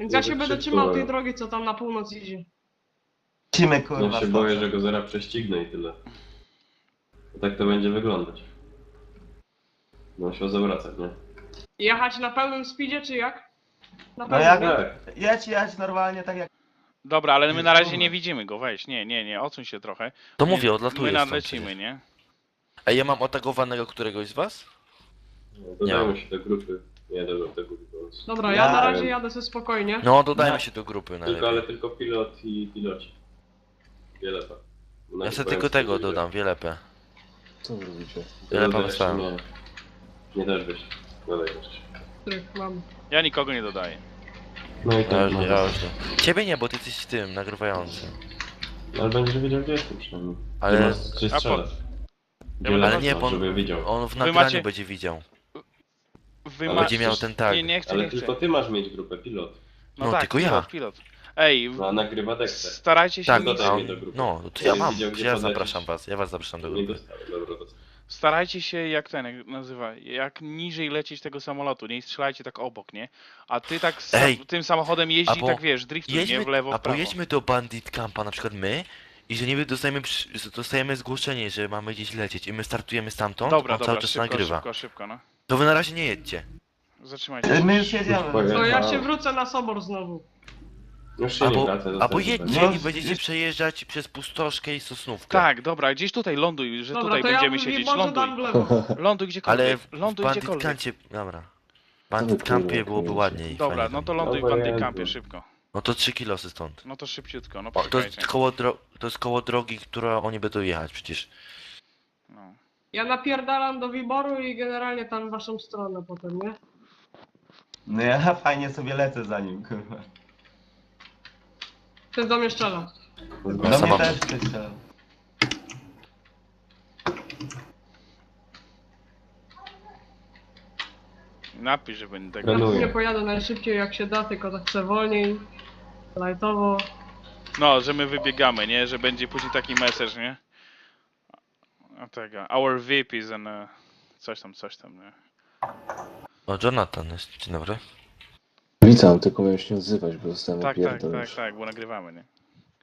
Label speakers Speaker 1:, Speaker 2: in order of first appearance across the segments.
Speaker 1: Więc ja się będę trzymał tej drogi, co tam na północ idzie.
Speaker 2: Lecimy, kurwa.
Speaker 3: Ja się
Speaker 2: stąd.
Speaker 3: boję, że go zaraz prześcignę i tyle. Bo tak to będzie wyglądać. No się zawracać, nie?
Speaker 1: Jechać na pełnym speedzie, czy jak? Na
Speaker 2: No
Speaker 1: pełnym,
Speaker 2: jak...
Speaker 3: Tak.
Speaker 2: Jedź normalnie tak jak...
Speaker 4: Dobra, ale my na razie nie widzimy go, weź, nie, odsuń się trochę.
Speaker 5: To
Speaker 4: My-
Speaker 5: mówię, odlatuję
Speaker 4: My
Speaker 5: stąd
Speaker 4: nadlecimy,
Speaker 5: przecież.
Speaker 4: nie?
Speaker 5: Ej, ja mam otagowanego któregoś z was?
Speaker 3: No, dodajmy się do grupy. Nie do grupy. po prostu.
Speaker 1: Dobra, ja na razie jadę sobie spokojnie.
Speaker 5: No, dodajmy się do grupy
Speaker 3: Tylko, ale
Speaker 5: najlepiej.
Speaker 3: tylko pilot i piloci. Wiele tak.
Speaker 5: Ja sobie tylko tego dodam, wielepę.
Speaker 6: Co wy robicie?
Speaker 5: Wielepę wystałem.
Speaker 3: Nie też byś. Dodaj jeszcze.
Speaker 1: Których mam.
Speaker 4: Ja nikogo nie dodaję.
Speaker 3: No i
Speaker 5: Ja
Speaker 3: tak,
Speaker 5: już,
Speaker 3: no.
Speaker 5: ja już nie. Ciebie nie, bo ty jesteś tym, nagrywającym.
Speaker 3: Ale będziesz wiedział, gdzie jestem przynajmniej.
Speaker 5: Ale-
Speaker 3: Ty masz gdzie
Speaker 4: A po-
Speaker 3: strzelać.
Speaker 4: Ja będę-
Speaker 5: Ale nie, bo
Speaker 3: żeby widział.
Speaker 5: on w nagraniu
Speaker 4: macie-
Speaker 5: będzie widział.
Speaker 4: Wy
Speaker 3: Ale
Speaker 5: Będzie miał ten tag.
Speaker 4: Nie chcę,
Speaker 3: Ale
Speaker 4: nie chcę.
Speaker 3: tylko ty masz mieć grupę, pilot.
Speaker 5: No, tylko ja.
Speaker 4: Pilot. Ej,
Speaker 3: No a nagrywa Dexter.
Speaker 4: starajcie się
Speaker 5: Tak,
Speaker 4: mi...
Speaker 3: dodaj
Speaker 5: a
Speaker 3: mnie
Speaker 5: on,
Speaker 3: do grupy.
Speaker 5: no, to
Speaker 3: Ja
Speaker 5: ja
Speaker 3: bym
Speaker 5: mam,
Speaker 3: widział, gdzie
Speaker 5: ja
Speaker 3: podlecieć.
Speaker 5: zapraszam was, ja was zapraszam do
Speaker 3: Nie
Speaker 5: grupy.
Speaker 3: dostałem, dobra, dostałem.
Speaker 4: Starajcie się jak nazywa, jak niżej lecieć tego samolotu, nie strzelajcie tak obok, nie? A ty tak
Speaker 5: Ej,
Speaker 4: tym samochodem jeździ,
Speaker 5: albo
Speaker 4: tak wiesz, driftuj, nie? W lewo,
Speaker 5: a
Speaker 4: w prawo.
Speaker 5: pojedźmy do Bandit Campa, na przykład my, i że niby dostajemy zgłoszenie, że mamy gdzieś lecieć i my startujemy stamtąd,
Speaker 4: Dobra,
Speaker 5: on
Speaker 4: dobra,
Speaker 5: cały czas
Speaker 4: szybko,
Speaker 5: nagrywa.
Speaker 4: szybko, no.
Speaker 5: To wy na razie nie jedźcie.
Speaker 4: Zatrzymajcie się.
Speaker 2: My już jedziemy.
Speaker 3: Powiem.
Speaker 1: To ja się wrócę na sobor znowu.
Speaker 3: Już się nie
Speaker 5: Albo,
Speaker 3: wraca,
Speaker 5: albo
Speaker 3: zostań
Speaker 5: jedźcie
Speaker 2: No,
Speaker 5: i będziecie przejeżdżać przez Pustoszkę i Sosnówkę.
Speaker 4: Tak, dobra, gdzieś tutaj ląduj, że
Speaker 1: Dobra,
Speaker 4: tutaj
Speaker 1: to ja
Speaker 4: będziemy
Speaker 1: w
Speaker 4: siedzieć,
Speaker 1: Wiborze dam w
Speaker 4: ląduj.
Speaker 1: lewo.
Speaker 4: Ląduj
Speaker 5: Ale
Speaker 4: gdziekolwiek,
Speaker 5: w
Speaker 4: ląduj
Speaker 5: Bandit
Speaker 4: gdziekolwiek.
Speaker 5: Campie, dobra. W Bandit Campie byłoby ładniej.
Speaker 4: Dobra,
Speaker 5: fajnie
Speaker 4: no
Speaker 5: tam.
Speaker 4: to ląduj w
Speaker 3: Dobra,
Speaker 4: Bandykampie,
Speaker 3: ja-
Speaker 4: szybko.
Speaker 5: No to 3 kilosy stąd.
Speaker 4: No to szybciutko, no
Speaker 5: O, to
Speaker 4: poczekajcie.
Speaker 5: jest to jest koło drogi, która oni będą jechać przecież.
Speaker 4: No.
Speaker 1: Ja napierdalam do Wiboru i generalnie tam w waszą stronę potem, nie?
Speaker 2: No ja fajnie sobie lecę za nim, kurwa.
Speaker 1: Ty do mnie strzela.
Speaker 2: Do
Speaker 5: Ja
Speaker 2: mnie
Speaker 5: sama-
Speaker 2: też ktoś strzelał.
Speaker 4: Napisz, że będę tego...
Speaker 3: Planuję.
Speaker 1: Nie pojadę najszybciej jak się da, tylko tak chcę wolniej. Lightowo.
Speaker 4: No, że my wybiegamy, nie? Że będzie później taki message, nie? A tego, our VIP is an... coś tam, nie?
Speaker 5: O, Jonathan jest, dzień dobry.
Speaker 6: Witam, tylko miałem się nie odzywać, bo zostałem opierdolony.
Speaker 4: Tak, bo nagrywamy, nie?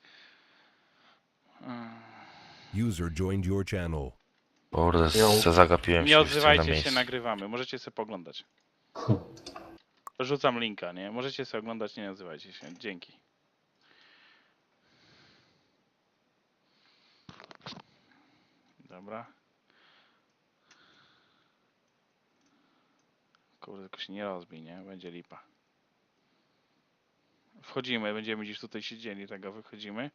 Speaker 7: User joined your channel.
Speaker 5: Kurde, zagapiłem się
Speaker 4: Nie
Speaker 5: już w tym na
Speaker 4: odzywajcie się,
Speaker 5: miejscu.
Speaker 4: nagrywamy. Możecie sobie poglądać. Rzucam linka, nie? Możecie sobie oglądać, nie odzywajcie się. Dzięki. Dobra. Kurde, tylko się nie rozbij, nie? Będzie lipa. Wchodzimy, będziemy gdzieś tutaj siedzieli, tego wychodzimy.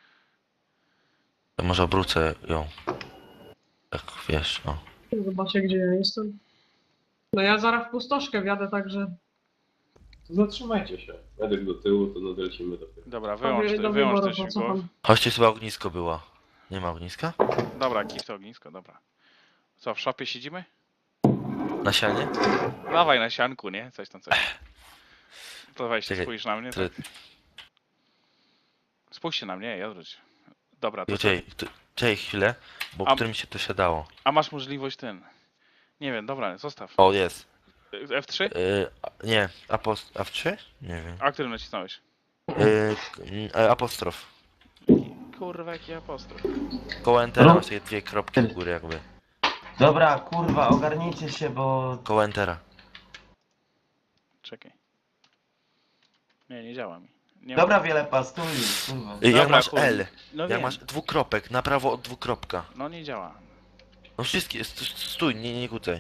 Speaker 5: To może obrócę ją. Tak, wiesz, o.
Speaker 1: Zobaczcie gdzie ja jestem. No ja zaraz w pustoszkę wjadę, także...
Speaker 3: To zatrzymajcie się. Medyk do tyłu, to dolecimy do tyłu.
Speaker 4: Dobra,
Speaker 1: do
Speaker 4: wyłącz
Speaker 1: Wiboru
Speaker 4: ten śmigłow.
Speaker 1: pocofam.
Speaker 5: Chodźcie, chyba ognisko było. Nie ma ogniska?
Speaker 4: Dobra, kif to ognisko, dobra. Co, w szopie siedzimy?
Speaker 5: Na sianie?
Speaker 4: Dawaj na sianku, nie? Coś tam. To weź,
Speaker 5: Czekaj,
Speaker 4: spójrz na mnie.
Speaker 5: Tyle-
Speaker 4: Tak. Spójrzcie na mnie, ja odwróć. Dobra, to co?
Speaker 5: Czekaj chwilę, bo
Speaker 4: A-
Speaker 5: którym się to siadało.
Speaker 4: A masz możliwość ten. Nie wiem, dobra, zostaw.
Speaker 5: O, jest.
Speaker 4: F3?
Speaker 5: Nie, F3? Nie wiem.
Speaker 4: A którym nacisnąłeś?
Speaker 5: Apostrof.
Speaker 4: Kurwa, jaki apostrof.
Speaker 5: Koło Entera masz takie dwie kropki w górę jakby.
Speaker 2: Dobra, kurwa, ogarnijcie się, bo...
Speaker 5: Koło Entera.
Speaker 4: Czekaj. Nie działa mi. Nie
Speaker 2: Dobra,
Speaker 4: ma...
Speaker 2: Wielepa, stój, kurwa.
Speaker 5: Jak
Speaker 4: Dobra,
Speaker 5: masz
Speaker 4: chuj.
Speaker 5: L,
Speaker 4: No
Speaker 5: jak
Speaker 4: wiem.
Speaker 5: masz dwukropek, na prawo od dwukropka.
Speaker 4: No nie działa.
Speaker 5: No wszystkie, stój, nie kucaj.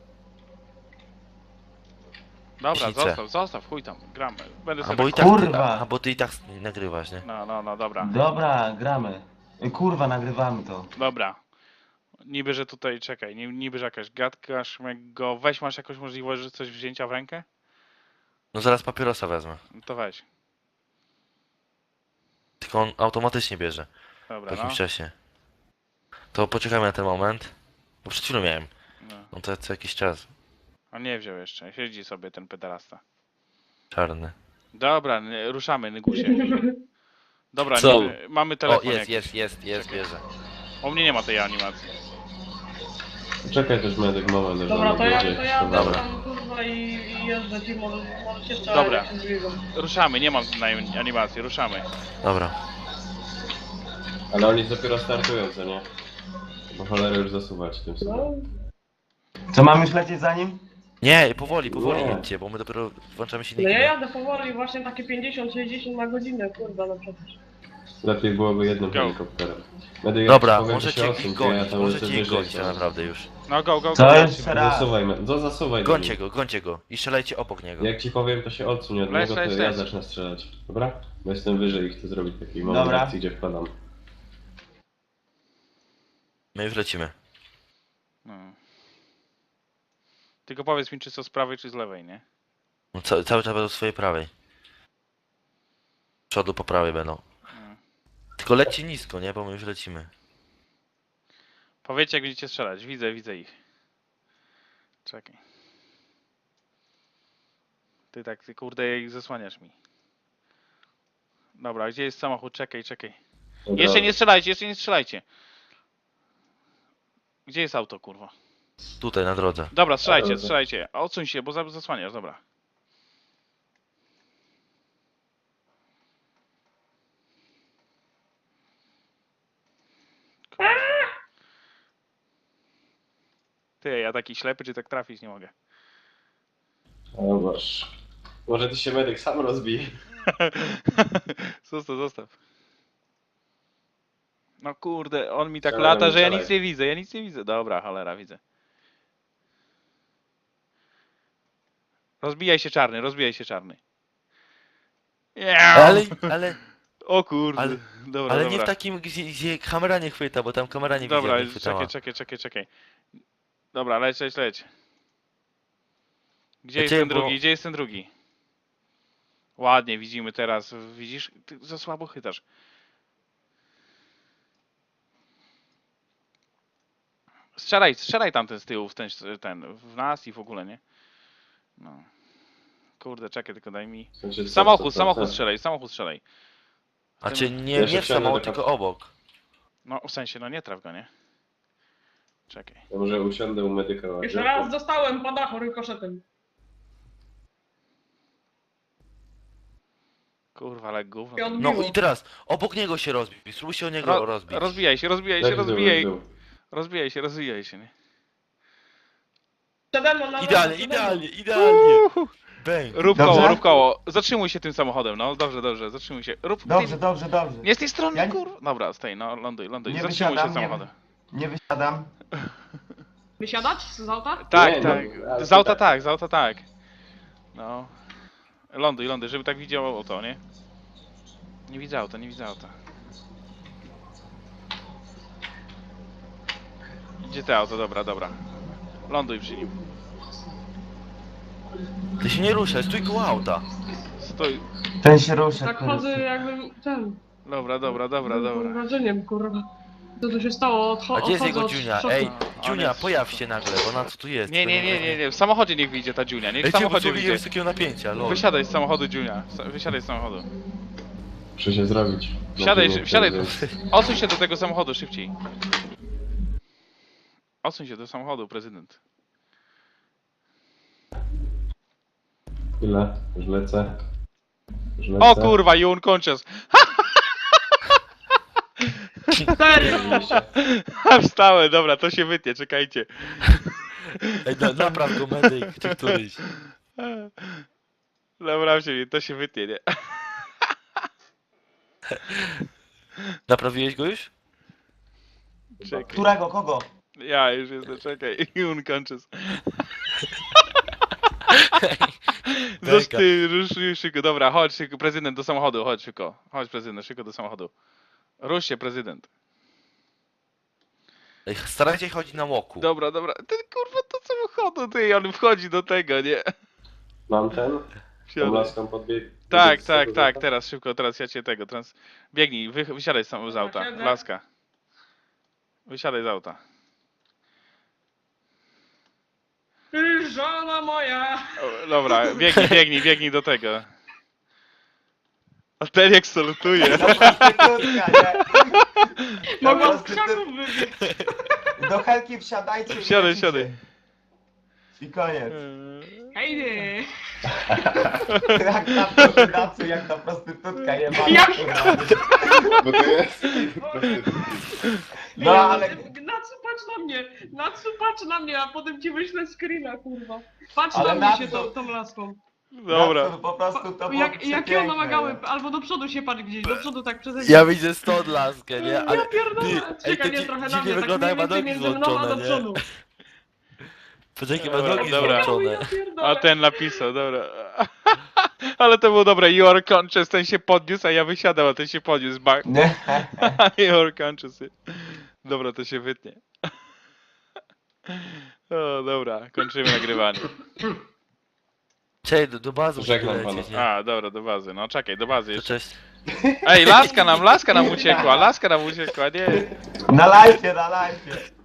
Speaker 4: Dobra,
Speaker 5: Myślicie?
Speaker 4: zostaw, chuj tam, gramy. Będę
Speaker 5: A
Speaker 4: sobie...
Speaker 5: bo i tak
Speaker 2: Kurwa.
Speaker 5: a bo ty i tak nagrywasz, nie?
Speaker 4: No, dobra.
Speaker 2: Dobra, gramy. Kurwa, nagrywamy to.
Speaker 4: Dobra. Niby, że tutaj, czekaj, niby, że jakaś gadka, szmego... Weź, masz jakąś możliwość, że coś wzięcia w rękę?
Speaker 5: No zaraz papierosa wezmę.
Speaker 4: No to weź.
Speaker 5: Tylko on automatycznie bierze w
Speaker 4: Dobra,
Speaker 5: jakimś
Speaker 4: no.
Speaker 5: czasie. To poczekajmy na ten moment. Bo przed chwilą miałem.
Speaker 4: No.
Speaker 5: No to co jakiś czas.
Speaker 4: A nie wziął jeszcze, siedzi sobie ten pedalasta.
Speaker 5: Czarny.
Speaker 4: Dobra, ruszamy, Nygusie. Dobra,
Speaker 5: Co?
Speaker 4: mamy
Speaker 5: O,
Speaker 4: telefon
Speaker 5: jest,
Speaker 4: jakiś.
Speaker 5: bierze.
Speaker 4: U mnie nie ma tej animacji.
Speaker 3: Czekaj też medyk moment, że
Speaker 1: Dobra,
Speaker 3: on
Speaker 1: to ja
Speaker 3: będzie.
Speaker 1: tam
Speaker 5: Dobra.
Speaker 1: kurwa i i jeżdżę ci, może się strzelać.
Speaker 4: Dobra.
Speaker 1: jak się zbiegam.
Speaker 4: Ruszamy, nie mam na animacji, ruszamy.
Speaker 5: Dobra.
Speaker 3: Ale oni dopiero startują, co nie? Bo cholerę już zasuwać tym
Speaker 1: No,
Speaker 3: samym.
Speaker 2: Co, mam już lecieć za nim?
Speaker 5: Nie, powoli
Speaker 3: Nie.
Speaker 5: jedźcie, bo my dopiero włączamy
Speaker 1: no
Speaker 5: silniki.
Speaker 1: ja jadę powoli, właśnie takie 50-60 na godzinę, kurwa, no przecież.
Speaker 3: Lepiej byłoby jednym
Speaker 4: Go.
Speaker 3: helikopterem. Medyk,
Speaker 5: Dobra,
Speaker 3: jak ci powiem,
Speaker 5: możecie
Speaker 3: to się
Speaker 5: ich
Speaker 3: odsuń, to ja
Speaker 5: gonić,
Speaker 3: tam lecę
Speaker 5: możecie ich
Speaker 3: wyżej,
Speaker 5: gonić
Speaker 3: to-
Speaker 5: tak naprawdę już.
Speaker 4: No go,
Speaker 2: Co?
Speaker 4: go.
Speaker 2: Jeszcze raz.
Speaker 3: Zasuwaj do
Speaker 5: Gońcie go i strzelajcie obok niego.
Speaker 3: Jak ci powiem, to się odsuń od
Speaker 4: Leć,
Speaker 3: niego, to
Speaker 4: leć,
Speaker 3: ja
Speaker 4: leć.
Speaker 3: zacznę strzelać. Dobra? Bo jestem wyżej i chcę zrobić taki moment
Speaker 2: Dobra.
Speaker 3: akcji, gdzie wpadam.
Speaker 5: My już lecimy.
Speaker 4: No. Tylko powiedz mi, czy co z prawej, czy z lewej, nie?
Speaker 5: No, cały czas będą z swojej prawej. Z przodu po prawej będą.
Speaker 4: Mm.
Speaker 5: Tylko lećcie nisko, nie? Bo my już lecimy.
Speaker 4: Powiedzcie, jak będziecie strzelać. Widzę ich. Czekaj. Ty kurde ich zasłaniasz mi. Dobra, gdzie jest samochód? Czekaj.
Speaker 3: Dobra.
Speaker 4: Jeszcze nie strzelajcie. Gdzie jest auto, kurwa?
Speaker 5: Tutaj, na drodze.
Speaker 4: Dobra,
Speaker 3: Dobra.
Speaker 4: strzelajcie. Odsuń się, bo zasłaniasz, dobra. Ty, ja taki ślepy, czy tak trafić nie mogę.
Speaker 3: O Boże. Może ty się medyk sam rozbije.
Speaker 4: Zostaw. No kurde, on mi tak
Speaker 3: Strzelaj,
Speaker 4: lata, że ja
Speaker 3: strzelaj.
Speaker 4: nic nie widzę. Dobra, cholera, widzę. Rozbijaj się czarny.
Speaker 5: Ale
Speaker 4: O kurde,
Speaker 5: ale-
Speaker 4: dobra,
Speaker 5: Ale
Speaker 4: dobra.
Speaker 5: nie w takim, gdzie kamera nie chwyta, bo tam kamera nie
Speaker 4: Dobra,
Speaker 5: widziała, nie chwytała.
Speaker 4: czekaj. Dobra, leć. Gdzie jest
Speaker 5: Leciałem,
Speaker 4: ten drugi?
Speaker 5: bo-
Speaker 4: Gdzie jest ten drugi? Ładnie, widzimy teraz. Widzisz? Ty za słabo chytasz. Strzelaj tamten z tyłu, w nas i w ogóle, nie? No. Kurde, czekaj, tylko daj mi...
Speaker 3: W sensie, co,
Speaker 4: Samochód
Speaker 3: co?
Speaker 4: strzelaj.
Speaker 5: A czy
Speaker 3: Ja
Speaker 5: nie
Speaker 3: się
Speaker 5: w
Speaker 3: wsiądę
Speaker 5: samochód,
Speaker 3: do
Speaker 5: tylko obok.
Speaker 4: No, w sensie, no nie traf go, nie? Czekaj.
Speaker 3: Ja może usiądę u medyka ładnie.
Speaker 1: Jeszcze raz dostałem po dachu rykoszetem.
Speaker 4: Kurwa, ale gówno.
Speaker 1: I
Speaker 5: No
Speaker 1: odbiło.
Speaker 5: i teraz, obok niego się rozbić. Spróbuj się o niego rozbić.
Speaker 4: Rozbijaj się, rozbijaj się, nie?
Speaker 1: Przede mną na
Speaker 5: Idealnie. Bang.
Speaker 4: Rób
Speaker 2: Dobrze?
Speaker 4: koło. Zatrzymuj się tym samochodem, no. Dobrze, zatrzymuj się. Rób
Speaker 2: Dobrze.
Speaker 4: Nie z tej strony,
Speaker 2: Ja nie-
Speaker 4: kurwa. Dobra, stoi, no, ląduj.
Speaker 2: Nie
Speaker 4: Zatrzymuj się
Speaker 2: wysiadam,
Speaker 4: samochodem.
Speaker 2: Nie wysiadam.
Speaker 1: Wysiadać z auta?
Speaker 4: Tak,
Speaker 3: Nie,
Speaker 4: tak.
Speaker 3: no, ale
Speaker 4: Z auta
Speaker 3: tak.
Speaker 4: tak. No. Ląduj, żeby tak widziało to, nie? Nie widzę auta. Gdzie te auto? Dobra. Ląduj przy nim.
Speaker 5: Ty się nie ruszaj, stój koło auta.
Speaker 4: Stój.
Speaker 2: Ten się ruszy.
Speaker 1: Tak chodzę jakbym ten...
Speaker 4: Dobra.
Speaker 1: Mam wrażeniem, kurwa. Co tu się stało?
Speaker 5: A gdzie jest jego
Speaker 1: odchodzę od
Speaker 5: Dziunia?
Speaker 1: szoku.
Speaker 5: Ej,
Speaker 4: On
Speaker 5: Dziunia,
Speaker 4: jest-
Speaker 5: pojaw się nagle, bo na co tu jest?
Speaker 4: Nie. W samochodzie niech wyjdzie ta Dziunia. Niech w
Speaker 5: Ej, cię
Speaker 4: samochodzie
Speaker 5: wyzwoliłem
Speaker 4: wyjdzie.
Speaker 5: z takiego napięcia, lol.
Speaker 4: Wysiadaj z samochodu, Dziunia. Wysiadaj z samochodu.
Speaker 3: Muszę się zrobić.
Speaker 4: Wsiadaj. Odsuń się do tego samochodu szybciej. Odsuń się do samochodu, prezydent.
Speaker 3: Chwilę, już lecę.
Speaker 4: O kurwa, you unconscious.
Speaker 1: Serio?
Speaker 4: Wstałem, dobra, to się wytnie, czekajcie.
Speaker 5: Ej, napraw go medyk, czy któryś.
Speaker 4: Dobra, to się wytnie, nie?
Speaker 5: Naprawiłeś go już?
Speaker 4: Czekaj.
Speaker 2: Którego? Kogo?
Speaker 4: Ja już jestem, czekaj. You unconscious. Rusz szybko, dobra, chodź szybko, prezydent do samochodu, chodź szybko. Chodź prezydent, szybko do samochodu. Rusz się, prezydent.
Speaker 5: Ej, starajcie się chodzić na łoku.
Speaker 4: Dobra. Ty kurwa do samochodu, ty, on wchodzi do tego, nie?
Speaker 3: Mam ten? Tą
Speaker 4: Wsiadaj.
Speaker 3: laską podbieg.
Speaker 4: Tak, teraz szybko, teraz ja cię tego, biegnij, wysiadaj z auta,
Speaker 1: Siedzę.
Speaker 4: laska. Wysiadaj z auta.
Speaker 1: Żona moja!
Speaker 4: O, dobra, biegnij do tego. A ten jak salutuje.
Speaker 2: Prostytutka, nie?
Speaker 1: Mogłam z
Speaker 2: prostytut-
Speaker 1: krzaków wybiec.
Speaker 2: Do helki wsiadajcie. i
Speaker 4: Wsiadaj,
Speaker 2: lecicie.
Speaker 4: wsiadaj.
Speaker 2: I koniec.
Speaker 1: Hej, nie.
Speaker 2: Jak na prostytucji, jak ta prostytutka jebana,
Speaker 1: Jak-
Speaker 2: kurwa.
Speaker 8: Bo to jest...
Speaker 2: No ale...
Speaker 1: Nacu, patrz na mnie! Nacu, patrz na mnie, a potem ci wyślę screena, kurwa. Patrz
Speaker 2: Ale
Speaker 1: na mnie
Speaker 2: Natsu-
Speaker 1: się tą laską.
Speaker 4: Dobra.
Speaker 2: Natsu, po prostu to było
Speaker 1: Jakie one
Speaker 2: przepiękne,
Speaker 1: magały,
Speaker 2: nie?
Speaker 1: albo do przodu się patrz gdzieś, do przodu tak przeze mnie.
Speaker 5: Ja widzę stąd laskę, nie? Ale
Speaker 1: Ja pierdolę,
Speaker 5: ej,
Speaker 1: czekaj,
Speaker 5: to
Speaker 1: nie, trochę na
Speaker 5: dziwnie
Speaker 1: mnie, tak
Speaker 5: wygląda,
Speaker 1: mniej
Speaker 5: jak ma
Speaker 1: więcej
Speaker 5: nogi
Speaker 1: między mną a do
Speaker 5: złączone, nie?
Speaker 1: przodu.
Speaker 5: Poczekaj, ma
Speaker 4: Dobra,
Speaker 5: nogi
Speaker 4: dobra.
Speaker 5: złączone.
Speaker 1: Ja pierdolę.
Speaker 4: A ten napisał, dobra. Ale to było dobre. You are conscious, ten się podniósł, a ja wysiadam, a ten się podniósł. Bang.
Speaker 2: Nie.
Speaker 4: You are conscious. Dobra, to się wytnie. O, dobra, kończymy nagrywanie.
Speaker 5: Czekaj, do bazy
Speaker 8: Żegnam
Speaker 5: musimy lecieć, nie?
Speaker 4: A, dobra, do bazy. No czekaj, do bazy
Speaker 5: To
Speaker 4: jeszcze.
Speaker 5: cześć.
Speaker 4: Ej, laska nam uciekła, nie.
Speaker 2: Na live, na live.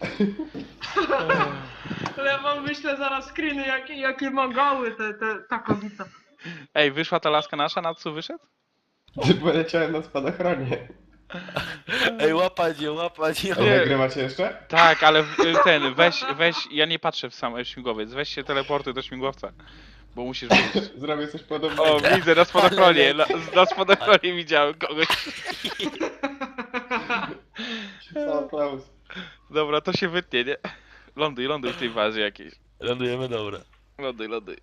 Speaker 1: Ale ja wam wyślę zaraz screeny, jakie magały ta kobieta.
Speaker 4: Ej, wyszła ta laska nasza, na co wyszedł?
Speaker 8: Poleciałem na spadochronie.
Speaker 5: Ej, łapać ją.
Speaker 8: A nagrywacie jeszcze?
Speaker 4: Tak, ale weź, ja nie patrzę w sam śmigłowiec, weź się teleportuj do śmigłowca, bo musisz wyjść.
Speaker 8: Zrobię coś podobnego.
Speaker 4: O, widzę, na spadochronie, na spadochronie widziałem kogoś.
Speaker 8: Sam Klaus.
Speaker 4: Dobra, to się wytnie, nie? Ląduj w tej bazie jakiejś.
Speaker 5: Lądujemy, dobra.
Speaker 4: Ląduj.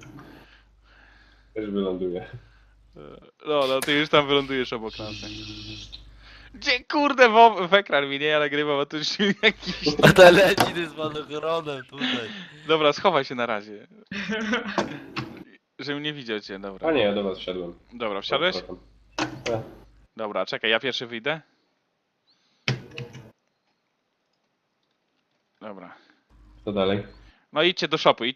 Speaker 8: Też wyląduję.
Speaker 4: No, ty już tam wylądujesz obok nas. nie? Gdzie kurde w ekran mi nie nagrywam, a tu już jakiś...
Speaker 5: A ta leci ty z padochronem tutaj.
Speaker 4: Dobra, schowaj się na razie. Żebym nie widział cię, dobra.
Speaker 8: A nie, ja do was wsiadłem.
Speaker 4: Dobra, wsiadłeś?
Speaker 8: Tak.
Speaker 4: Dobra, czekaj, ja pierwszy wyjdę. Dobra.
Speaker 8: Co dalej?
Speaker 4: No idźcie do shopy.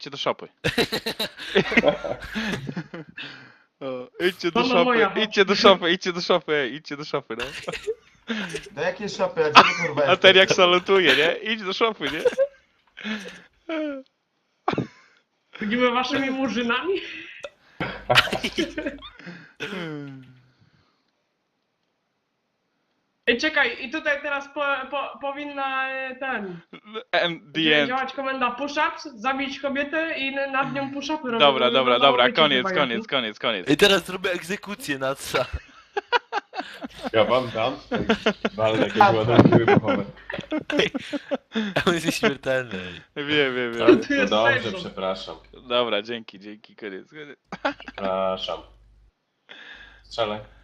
Speaker 4: O, idźcie do
Speaker 1: Mama moja.
Speaker 4: shopy, idźcie do shopy, no.
Speaker 2: Do jakiej szopy? A gdzie ty, kurwa
Speaker 4: A ten jak
Speaker 2: jesteś?
Speaker 4: salutuje, nie? Idź do shopy, nie?
Speaker 1: Będziemy waszymi murzynami? Ej, czekaj, i tutaj teraz powinna
Speaker 4: The end.
Speaker 1: działać komenda push-ups, zabić kobietę i nad nią push-upy robić.
Speaker 4: Dobra, koniec.
Speaker 5: I teraz zrobię egzekucję na co.
Speaker 8: Ja wam dam. Walne jakieś ładunki wybuchowe.
Speaker 5: On jest nieśmiertelny.
Speaker 4: Wiem.
Speaker 1: Tu
Speaker 8: No
Speaker 1: jest
Speaker 8: dobrze,
Speaker 1: Tyson.
Speaker 4: Dobra, dzięki, koniec.
Speaker 8: Przepraszam. Strzelaj.